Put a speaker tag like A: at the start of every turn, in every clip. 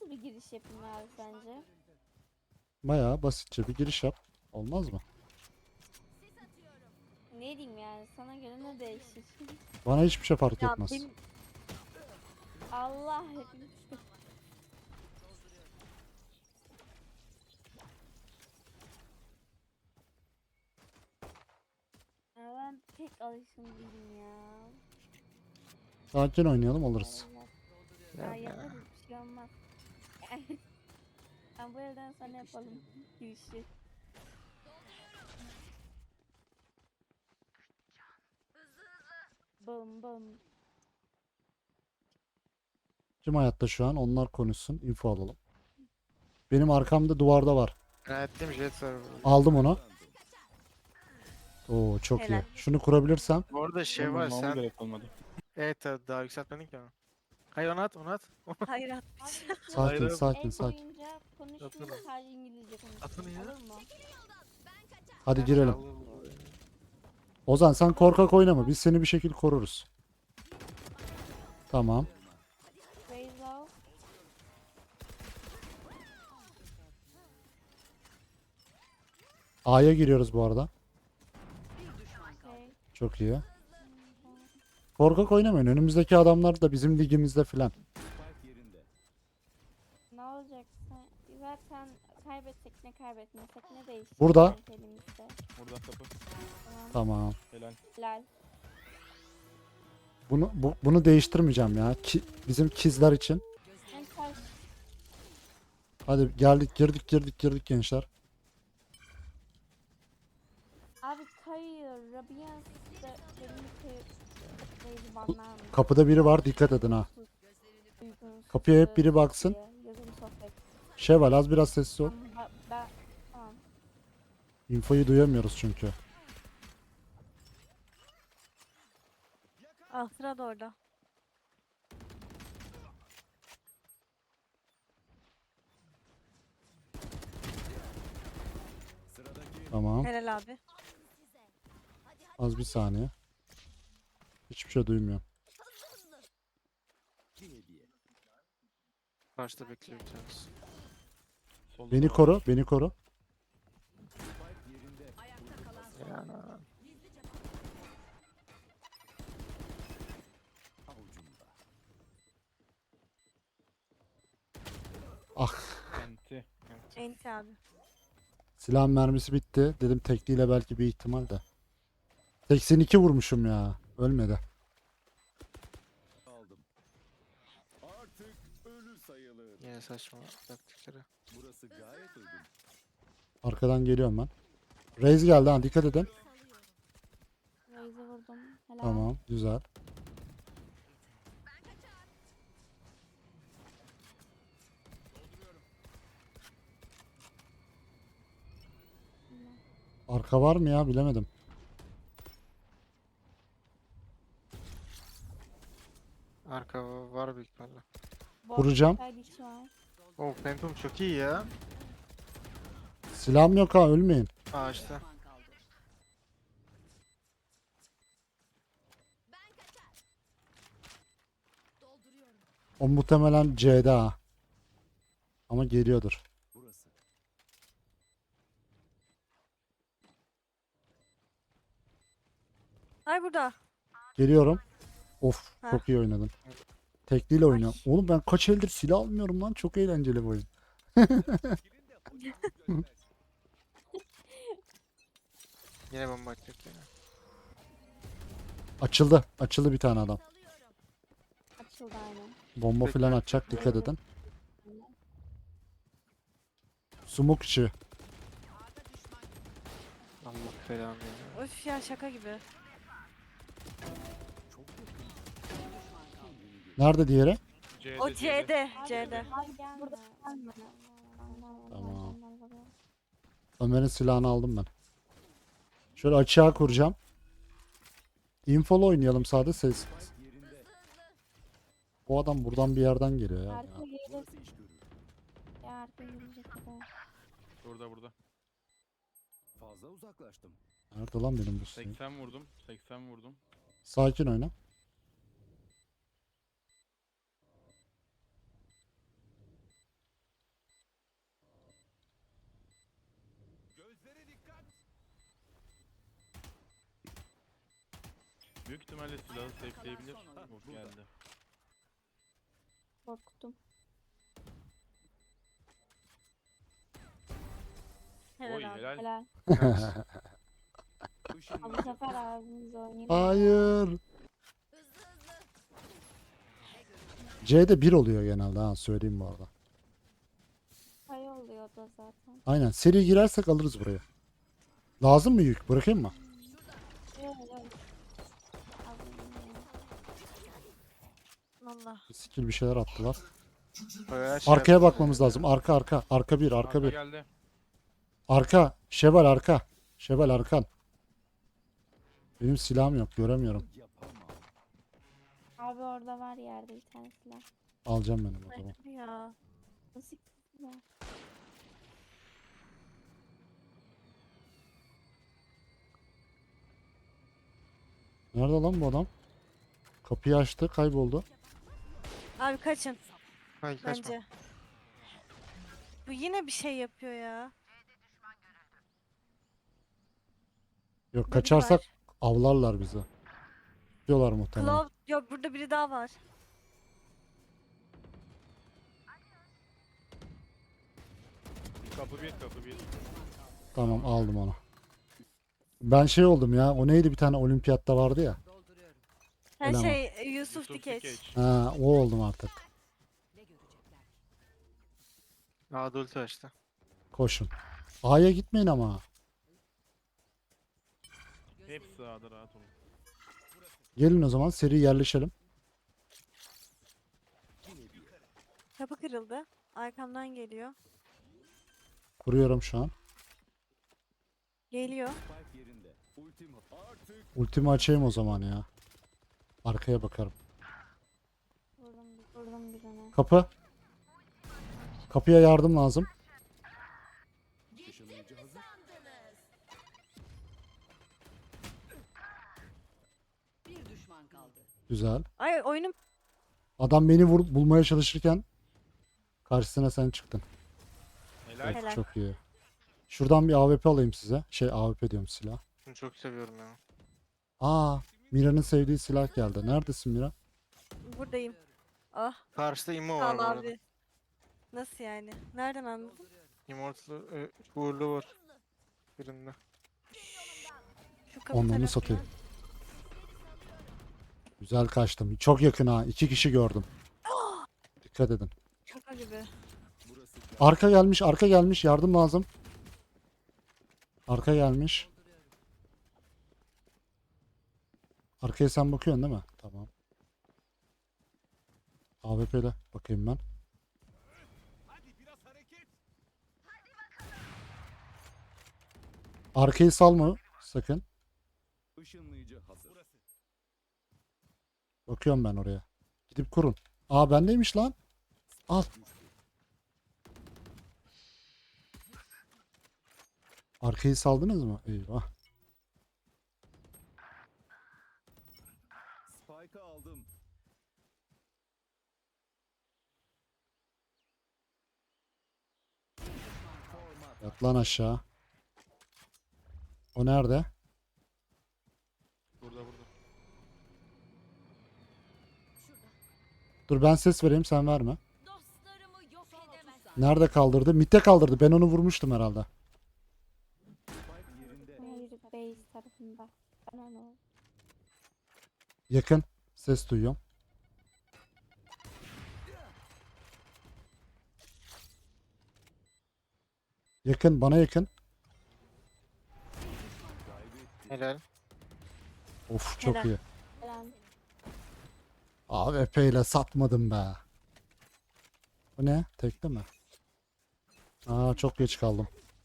A: Nasıl bir giriş yapayım abi sence?
B: Bayağı basitçe bir giriş yap. Olmaz mı?
A: Ne diyeyim yani sana göre ne değişir?
B: Bana hiçbir şey fark
C: Ya
B: etmez.
C: benim
A: Allah hepimiz. Ya ben pek alışkın değilim ya.
B: Sakin oynayalım alırız.
A: Ya yaparız bir şey olmaz. Ben bu evden sonra yapalım girişi. Bım bım.
B: Kim hayatta şu an? Onlar konuşsun. Info alalım. Benim arkamda duvarda var.
D: Ettim jet var.
B: Aldım onu. Oo çok iyi.
C: helal.
B: Şunu kurabilirsem.
D: Bu arada şey
E: Benim
D: var
E: vurmama
D: sen.
E: gerek olmadı.
D: Evet daha yükseltmedin ki onu. Hayır onu at onu at.
C: Hayır atmış.
B: Sakin
D: Hayır.
B: sakin
A: Ev
B: sakin.
A: boyunca konuşmayın
D: Atını.
A: sadece İngilizce konuşun.
D: Atını ya.
A: Olur mu?
B: Hadi girelim.
D: Allah.
B: Ozan sen korkak oynama. Biz seni bir şekilde koruruz. Tamam.
A: Raise off.
B: A'ya giriyoruz bu arada.
A: Okay.
B: Çok iyi. Korkak oynamayın. Önümüzdeki adamlar da bizim ligimizde filan.
A: Ne olacak? Zaten kaybetsek ne kaybetmesek ne değişecek?
B: Burada.
A: sanki elimizde?
E: Burada kapı.
A: Tamam.
B: Tamam.
E: Helal.
A: Helal.
B: Bunu değiştirmeyeceğim ya. Bizim kizler için.
A: En taş.
B: Hadi geldik girdik gençler.
A: Abi kayıyor. Rabians da benim kayıyor. Banlar mı?
B: Kapıda biri var. Dikkat edin ha.
A: Uygunsuz,
B: Kapıya hep biri baksın.
A: Yazılı sohbet.
B: Şevval az biraz sessiz ol.
A: Tamam.
B: Infoyu duyamıyoruz çünkü.
C: Ah sıra da orada.
B: Tamam.
C: Helal abi.
B: Az bir saniye. Hiçbir şey duymuyorum.
D: Karşıda bekliyor bir tanesi.
E: Solda
B: Beni
E: da var.
B: koru. Beni koru.
D: Yani.
B: Ah.
E: Enti.
C: Enti abi.
B: Silahın mermisi bitti. Dedim tekliyle belki bir ihtimal de. 82 vurmuşum ya. Ölmedi.
F: Aldım. Artık ölü sayılır.
D: Yine saçma taktikleri.
F: Burası gayet uygun.
B: Arkadan geliyorum ben. Raze geldi ha. Dikkat edin.
A: Raze'i vurdum. Helal.
B: Tamam. Güzel. Arka var mı ya? Bilemedim.
D: Arka var büyük ihtimalle.
B: Vuracağım.
A: Kaydiçi var.
D: Oh Phantom çok iyi ya.
B: Silahım yok ha. Ölmeyin.
D: Ağaçta.
B: O muhtemelen C'de ha. Ama geliyordur.
F: Burası.
C: Ay burada.
B: Geliyorum. Of.
C: Ha.
B: Çok iyi oynadın. Tekliyle oynuyorum. Oğlum ben kaç eldir silah almıyorum lan. Çok eğlenceli bu oyun.
D: Yine bomba atacak yine.
B: Açıldı. Açıldı bir tane adam.
A: Açıldı aynen.
B: Bomba falan atacak. Dikkat edin. Smoke içi.
D: Allah belanı ya.
C: Öf ya şaka gibi.
B: Nerede diğeri?
C: O C'de. C'de.
A: Abi gelme.
B: Tamam. Ömer'in silahını aldım ben. Şöyle açığa kuracağım. Infolu oynayalım sadece ses. Bu adam buradan bir yerden geliyor ya.
A: Arka gelir.
F: Burası iş görür.
A: Ya arka gelecek kadar.
E: Burada.
F: Fazla uzaklaştım.
B: Nerede lan benim bu silahım?
E: 80 vurdum. 80 vurdum.
B: Sakin oyna.
E: Büyük ihtimalle silahı safe'leyebilir. Yok geldi.
A: Korktum.
C: Helal
E: Oy
C: abi.
E: helal.
A: Helal. Ama bu
F: Işınlayıcı
A: sefer ağzımızı oynayalım.
B: Hayır. C'de 1 oluyor genelde ha, söyleyeyim bu arada.
A: Pay oluyor da zaten.
B: Aynen, seri girersek alırız burayı. Lazım mı yük? Bırakayım mı?
A: Yok yok. Alayım ya.
C: Valla.
B: Skill bir şeyler attılar.
D: Bayağı şey
B: Arkaya
D: yaptım
B: bakmamız
D: ya.
B: lazım. Arka arka. Arka bir, arka
E: Arka
B: bir.
E: geldi.
B: Arka. Şevval arka. Şevval arkan. Benim silahım yok. Göremiyorum.
F: yapamam.
A: Abi orada var yerde bir tane silah.
B: Alacağım benim o zaman.
C: Ya.
A: Nasıl silah?
B: Nerede lan bu adam? Kapıyı açtı. Kayboldu.
C: Abi kaçın
D: Hayır kaçma.
C: bence. Bu yine bir şey yapıyor ya.
B: Yok,
C: Biri
B: kaçarsak
C: var.
B: avlarlar bizi. Diyorlar muhtemelen.
C: Claw. Yok burada biri daha var.
E: Kapı bir kapı bir.
B: Tamam, aldım onu. Ben şey oldum ya. O neydi, bir tane olimpiyatta vardı ya.
C: Her
B: Eleman.
C: şey Yusuf Dikeç.
B: Ha, o oldum artık.
D: Adult açtı.
B: Koşun. A'ya gitmeyin ama.
E: Hepsi sağda rahat olun.
B: Gelin o zaman seri yerleşelim.
C: Kapı kırıldı. Arkamdan geliyor.
B: Kuruyorum şu an.
C: Geliyor.
F: Spike yerinde. Ultim artık
B: Ultimi açayım o zaman ya. Arkaya bakarım.
A: Vurdum birine.
B: Kapı. Kapıya yardım lazım.
F: ışınlayıcı hazır.
G: Bir düşman kaldı.
B: Güzel.
C: Ay oyunum
B: Adam beni bulmaya çalışırken karşısına sen çıktın.
E: Helal.
B: Evet,
C: Helal.
B: çok iyi. Şuradan bir AWP alayım size. Şey, AWP diyorum, silah.
D: Bunu çok seviyorum ya.
B: Aa, Mira'nın sevdiği silah geldi. Neredesin Mira?
C: buradayım. Ah.
D: Karşıda immo
C: Sağ
D: var
C: ol
D: bu arada.
C: abi. Nasıl yani? Nereden anladın?
D: Immortal uğurlu var. Birinde.
C: Şu kapı
B: Onları
C: tarafına.
B: satayım. Güzel kaçtım. Çok yakın ha. 2 kişi gördüm. Dikkat edin.
C: Şaka gibi.
F: Burası
B: Arka gelmiş, arka gelmiş. Yardım lazım. Arka gelmiş. Arkaya sen bakıyorsun değil mi? Tamam. AWP ile bakayım ben. Arkayı salma sakın.
F: ışınlayıcı hazır.
B: Bakıyorum ben oraya. Gidip kurun. Aa, bendeymiş lan. Al. Arkayı saldınız mı? Eyvah.
F: Spike'ı aldım.
B: Yat lan aşağı. O nerede?
E: Burada.
B: Dur, ben ses vereyim, sen verme.
G: Dostlarımı yok edemezsin.
B: Nerede kaldırdı? Mitte kaldırdı. Ben onu vurmuştum herhalde.
F: Spike yerinde.
A: Hayır base tarafında. Ben onu.
B: Yakın. Ses duyuyorum. Yakın. Bana yakın.
D: Helal.
B: Of, çok
C: Helal.
B: iyi.
A: Helal.
B: AWP ile satmadım be. Bu ne? Tekli mi? Aa, çok geç kaldım.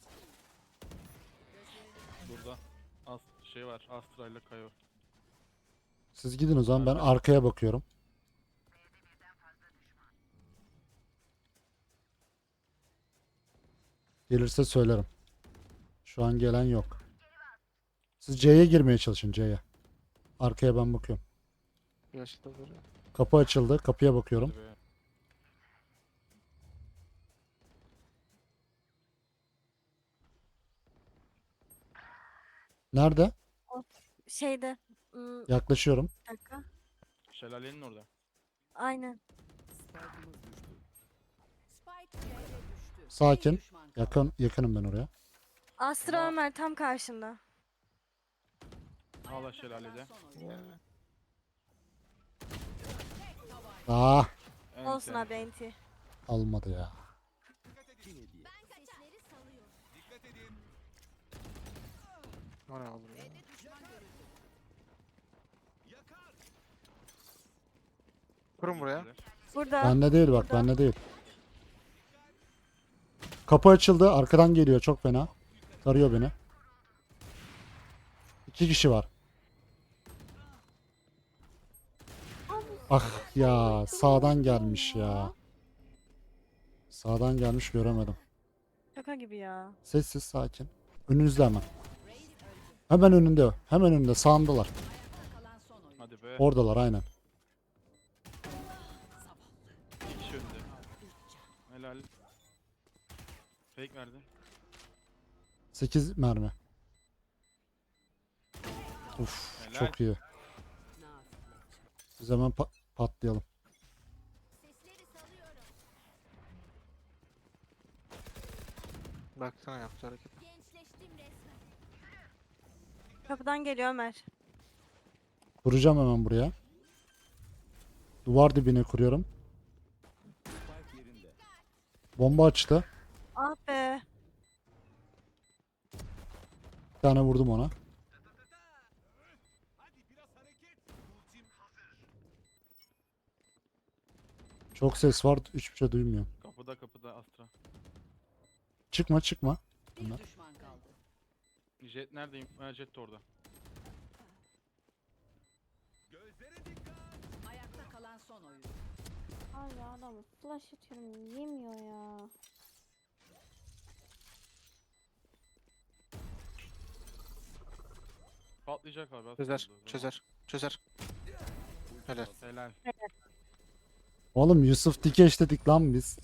E: Burada. Şey var. Astra ile Kayo.
B: Siz gidin o zaman, ben arkaya bakıyorum. Gelirse söylerim. Şu an gelen yok. Siz C'ye girmeye çalışın, C'ye. Arkaya ben bakıyorum.
D: Yaşlı böyle.
B: Kapı açıldı. Kapıya bakıyorum.
E: Ve
B: Nerede?
C: Şeyde
B: Yaklaşıyorum.
C: Bir dakika.
E: Şelalenin orada.
C: Aynen.
F: Spike'ımız düştü.
G: Spike C'de düştü.
B: Sakin.
G: Bir düşman kaldı.
B: Yakınım ben oraya.
C: Astra
E: Ama-
C: Ömer tam karşında.
E: Hala
G: Ayakta
E: şelalede.
G: kalan son oyuncu.
B: Ah,
C: Olsun
E: Ente.
C: abi enti.
B: almadı ya.
F: İki hediye.
G: Sesleri salıyor.
D: O ne oğlum ya? Kurun buraya.
C: Burada.
B: Bende değil bak,
C: Burada.
B: bende değil. Kapı açıldı. Arkadan geliyor çok fena. Tarıyor beni. 2 kişi var. Ah ya, sağdan gelmiş ya. Sağdan gelmiş, göremedim.
C: Şaka gibi ya.
B: Sessiz, sakin. Önünüzde hemen. Hemen önünde o. Hemen önünde, sağındalar.
G: Ayakta kalan son oyuncu.
E: Hadi be.
B: Oradalar aynen.
E: İki kişi önünde. Helal. Fake verdi.
B: 8 mermi. Uf,
E: Helal.
B: çok iyi. Biz hemen patlayalım.
G: Sesleri salıyorum.
D: Baksana yaptı hareket.
G: Gençleştim resmen.
C: Kapıdan geliyor Ömer.
B: Kuracağım hemen buraya. Duvar dibine kuruyorum.
F: Spike yerinde.
B: Bomba açtı.
C: Ah be.
B: Bir tane vurdum ona. Çok ses var. Hiçbir şey duymuyorum.
E: Kapıda Astra.
B: Çıkma.
G: Bir
B: Bunlar.
G: düşman kaldı.
E: Jet neredeyim? Ha, Jet de orada.
G: Ayakta kalan son oyuncu.
A: Abi adamı flash atıyorum yemiyor ya.
E: Patlayacak abi. az
D: Çözer.
E: kaldı o zaman.
D: Çözer. Çözer. Helal.
E: Helal.
B: Oğlum Yusuf Dikeş dedik lan biz.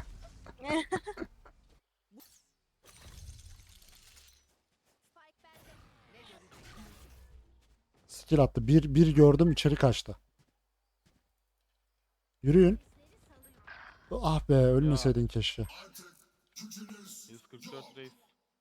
G: Spike bende. Ne görecekler?
B: Skill attı. Bir gördüm, içeri kaçtı. Yürüyün. Ah be, ölmeseydin keşke.
E: 144 reis.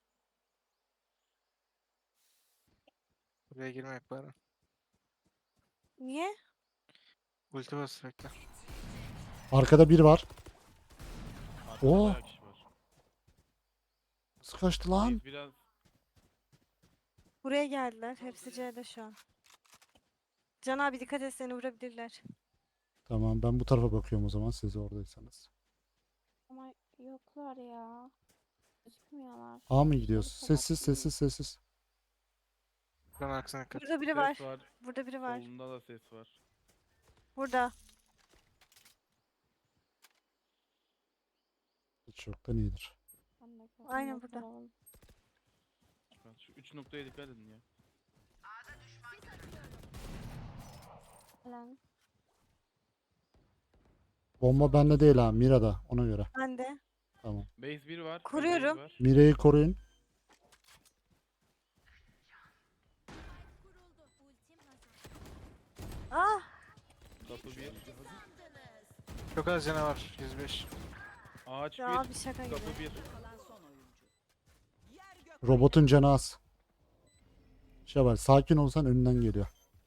D: Buraya girmek bari.
C: Niye?
D: Ulti bas bekle.
B: Arkada bir var.
E: Arkada
B: Oo.
E: bayağı kişi var.
B: Nasıl kaçtı lan?
E: Reis biraz
C: Buraya geldiler. Hepsi C'de şu an. Can abi dikkat et, seni vurabilirler.
B: Tamam, ben bu tarafa bakıyorum o zaman, siz oradaysanız.
A: Ama yoklar ya. Gözükmüyorlar.
B: A mı gidiyoruz? Sessiz.
D: Buranın arkasına dikkat.
C: Burada biri
E: ses
C: var.
E: var.
C: Burada biri var.
E: Solunda da ses var.
C: Burada.
B: Hiç yoktan iyidir.
A: Ben de gördüm,
C: Aynen
A: yoklar
C: burada.
A: oğlum.
E: Şu 3 noktaya dikkat edin ya.
A: Lan.
B: Bomba bende değil ha, Mira'da, ona göre.
C: Ben de.
B: Tamam.
E: Base 1 var.
C: Kuruyorum.
E: Base var.
B: Mira'yı koruyun.
G: Kuruldu. Ultim hazır.
C: Ah!
E: Kapı 1.
D: Çok az canavar. 105.
E: Ağaç
C: Ya
E: 1.
C: abi şaka gibi.
E: Kapı 1.
G: Kalan son oyuncu.
B: Robotun canı az. Şevval, sakin olsan önünden geliyor.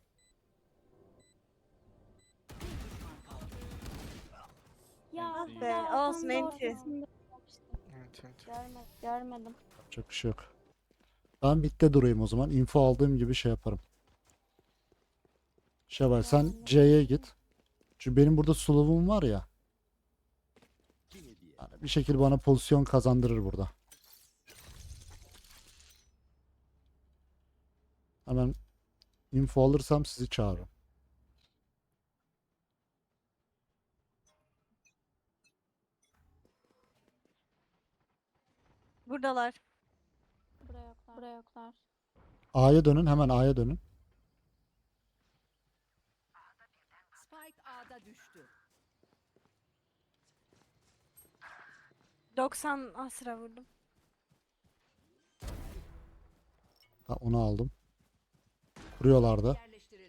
A: Ya
E: Ah
A: bu
C: be,
A: da adam
C: olsun,
A: da
C: enti.
A: ortasında yapmıştı.
D: Evet evet.
A: Görmedim.
B: Çok bir şey yok. Ben bitte durayım o zaman. Info aldığım gibi şey yaparım. Şevval, sen
A: Tamam.
B: C'ye git. Çünkü benim burada slow'um var ya.
F: İki hediye.
B: Yani bir şekilde bana pozisyon kazandırır burada. Hemen info alırsam sizi çağırırım.
C: Buradalar.
A: Buraya yoklar. Buraya yoklar.
B: A'ya dönün, hemen A'ya dönün.
G: Spike A'da düştü.
C: 90 Asra vurdum.
B: Ha, onu aldım. Kuruyorlardı.
G: Yerleştirildi.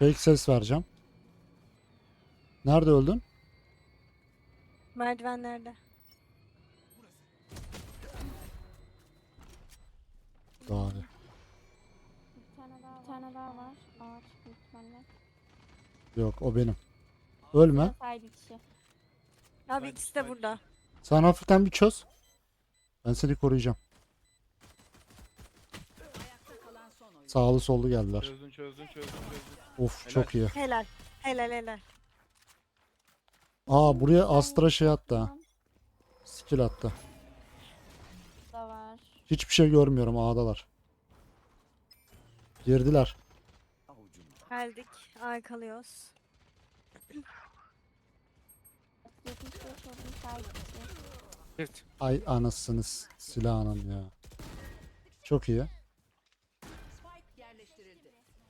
B: Fake ses vereceğim. Nerede öldün?
C: Merdivenlerde.
B: Daha iyi.
A: Bir tane daha var. Ağaç büyük ihtimalle.
B: Yok o benim. Ölme.
A: Side içi.
C: Abi
E: Ben
C: ikisi de burada.
B: Sen hafiften bir çöz. Ben seni koruyacağım.
G: Ayakta kalan son oyuncu.
B: Sağlı sollu geldiler.
E: Çözdün.
B: Of
E: Helal.
B: çok iyi.
C: Helal. Helal.
B: Aa buraya Astra şey attı ha. Skill attı.
A: Da var.
B: Hiçbir şey görmüyorum A'dalar. Girdiler.
F: Avucumda.
C: Geldik. Arkalıyoruz.
A: 75 oldum side içi.
D: Girt.
B: Ay anasınız silahının ya. Çok iyi.
G: Spike yerleştirildi.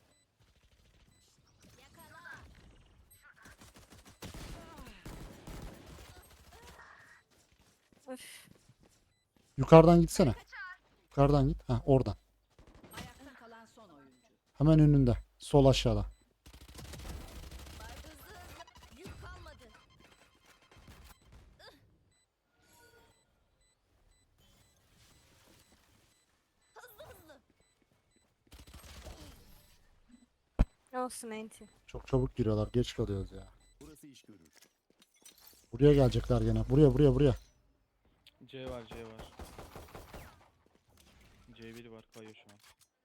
C: Öf.
B: Yukarıdan gitsene. Yukarıdan git. Ha oradan.
G: Ayakta kalan son oyuncu.
B: Hemen önünde. Sol aşağıda.
G: Yük kalmadı.
C: Olsun enti.
B: Çok çabuk giriyorlar. Geç kalıyoruz ya.
F: Burası iş görür.
B: Buraya gelecekler gene. Buraya.
E: C var. C1 var kayıyor şu an.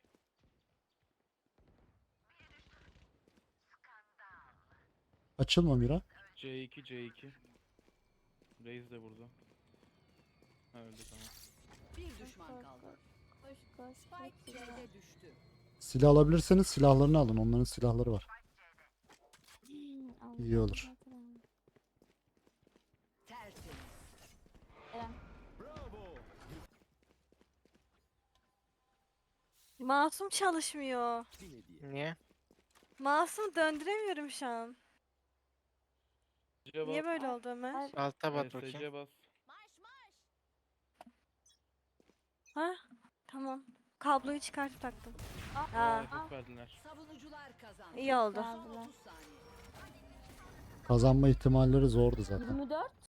B: Açılma Mira.
E: C2. Reis de burada. Ha öldü tamam.
G: Bir düşman kaldı.
A: Koş.
G: Spike C'de düştü.
B: Silah alabilirseniz silahlarını alın. Onların silahları var.
A: Allah'ım,
B: İyi olur.
A: Allah'ım.
G: Tertemiz.
A: Eren.
F: Bravo.
C: Masum çalışmıyor.
F: Bir hediye.
D: Niye?
C: Masum döndüremiyorum şu an.
E: C
C: Niye
E: bas.
C: böyle oldu Ömer?
D: Alta bat bakayım.
E: C bas.
C: Ha? Tamam. Kabloyu çıkartıp taktım. Aa,
E: Efekt verdiler.
G: Savunucular kazandı.
C: iyi oldu.
A: Geldiler.
G: 30 saniye.
B: Kazanma ihtimalleri zordu zaten.
A: 24.